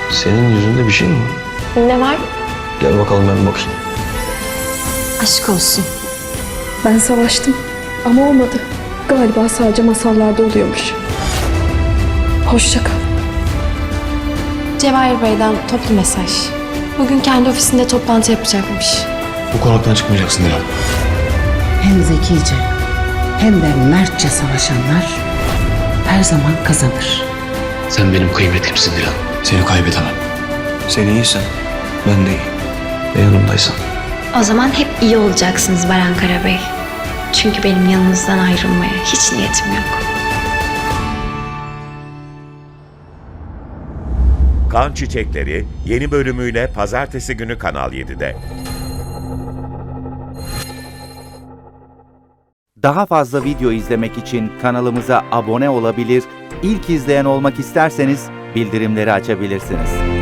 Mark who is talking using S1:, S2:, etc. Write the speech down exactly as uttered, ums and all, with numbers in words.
S1: Senin yüzünde bir şey mi var?
S2: Ne var?
S1: Gel bakalım ben bir bakayım.
S2: Aşk olsun.
S3: Ben savaştım ama olmadı. Galiba sadece masallarda oluyormuş. Hoşça kal.
S2: Cevahir Bey'den toplu mesaj. Bugün kendi ofisinde toplantı yapacakmış.
S1: Bu konaktan çıkmayacaksın Dilan.
S4: Hem zekice hem de mertçe savaşanlar her zaman kazanır.
S1: Sen benim kıymetimsin Dilan. Seni kaybedemem. Sen iyiysen ben de iyi. Ve yanımdaysan.
S2: O zaman hep iyi olacaksınız Baran Karabey. Çünkü benim yanınızdan ayrılmaya hiç niyetim yok.
S5: Kan Çiçekleri yeni bölümüyle pazartesi günü Kanal yedide.
S6: Daha fazla video izlemek için kanalımıza abone olabilir, ilk izleyen olmak isterseniz bildirimleri açabilirsiniz.